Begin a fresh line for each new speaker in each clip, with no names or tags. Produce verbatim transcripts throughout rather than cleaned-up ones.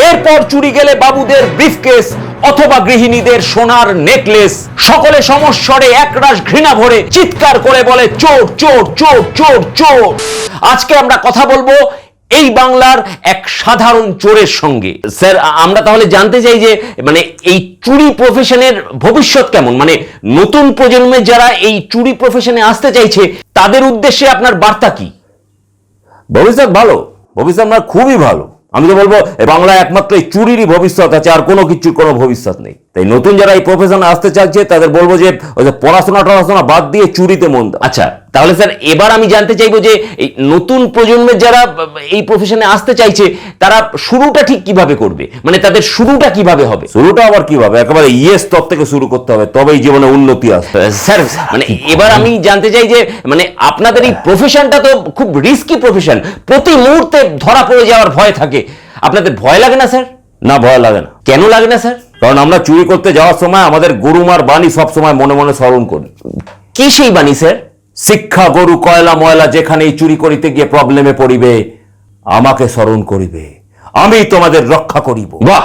এরপর চুরি গেলে বাবুদের ব্রিফকেস অথবা গৃহিণীদের সোনার নেকলেস। সকলে সমস্বরে একরাশ ঘৃণা ভরে চিৎকার করে বলে চোর চোর চোর চোর চোর। আজকে আমরা কথা বলবো এই বাংলার এক সাধারণ চোরের সঙ্গে। স্যার, আমরা তাহলে জানতে চাই যে মানে এই চুরি প্রফেশনের ভবিষ্যৎ কেমন, মানে নতুন প্রজন্মের যারা এই চুরি প্রফেশনে আসতে চাইছে তাদের উদ্দেশ্যে আপনার বার্তা কি?
ভবিষ্যৎ ভালো, ভবিষ্যৎ আমার খুবই ভালো। আমি তো বলবো বাংলায় একমাত্র এই চুরিরই ভবিষ্যৎ আছে, আর কোনো কিছুর কোনো ভবিষ্যৎ নেই। তাই নতুন যারা এই প্রফেশনে আসতে চাচ্ছে তাদের বলবো যে ওই যে পড়াশোনা টড়াশোনা বাদ দিয়ে চুরিতে মন দাও।
আচ্ছা, তাহলে স্যার এবার আমি জানতে চাইবো যে এই নতুন প্রজন্মের যারা এই প্রফেশনে আসতে চাইছে তারা শুরুটা ঠিক কিভাবে করবে, মানে তাদের শুরুটা কিভাবে হবে?
শুরুটা আবার কিভাবে, একেবারে ইয়ে স্তর থেকে শুরু করতে হবে, তবেই জীবনে উন্নতি আসবে।
স্যার মানে এবার আমি জানতে চাই যে মানে আপনাদের এই প্রফেশনটা তো খুব রিস্কি প্রফেশন, প্রতি মুহূর্তে ধরা পড়ে যাওয়ার ভয় থাকে, আপনাদের ভয় লাগে না স্যার?
না, ভয় লাগে না।
কেন লাগে না স্যার?
কারণ আমরা চুরি করতে যাওয়ার সময় আমাদের গরুমার বাণী সব সময় মনে মনে স্মরণ করি।
কি সেই বাণী স্যার?
শিক্ষা গরু কয়লা ময়লা যেখানেই চুরি করিতে গিয়ে প্রবলেমে পড়িবে, আমাকে স্মরণ করিবে, আমি তোমাদের রক্ষা করিব।
বাহ,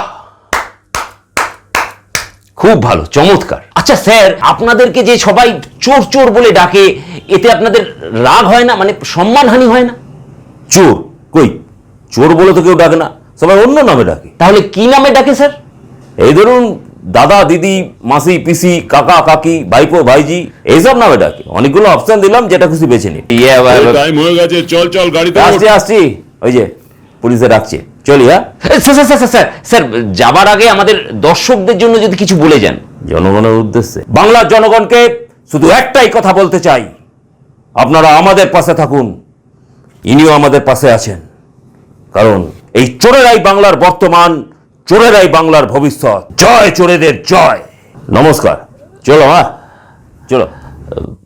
খুব ভালো, চমৎকার। আচ্ছা স্যার, আপনাদেরকে যে সবাই চোর চোর বলে ডাকে এতে আপনাদের রাগ হয় না, মানে সম্মানহানি হয় না?
চোর কই, চোর বলে তো কেউ ডাকে না, সবাই অন্য নামে ডাকে।
তাহলে কি নামে ডাকে স্যার?
এই ধরুন দাদা দিদি মাসি পিসি কাকা কাকি ভাইপো ভাইজি এইসব নামে ডাকে। অনেকগুলো অপশন দিলাম, যেটা খুশি বেছে নিন।
টাইম হয়ে গেছে, চল চল গাড়িতে ওঠ।
আসছি আসছি, ওই যে পুলিশে ডাকছে, চলি। হ্যাঁ
sir sir sir sir sir যাবার আগে আমাদের দর্শকদের জন্য যদি কিছু বলে যান।
জনগণের উদ্দেশ্যে বাংলার জনগণকে শুধু একটাই কথা বলতে চাই, আপনারা আমাদের পাশে থাকুন, ইনিও আমাদের পাশে আছেন। কারণ এই চোরেরাই বাংলার বর্তমান, চোরেরাই বাংলার ভবিষ্যৎ। জয় চোরেদের জয়। নমস্কার, চলো। হ্যাঁ চলো।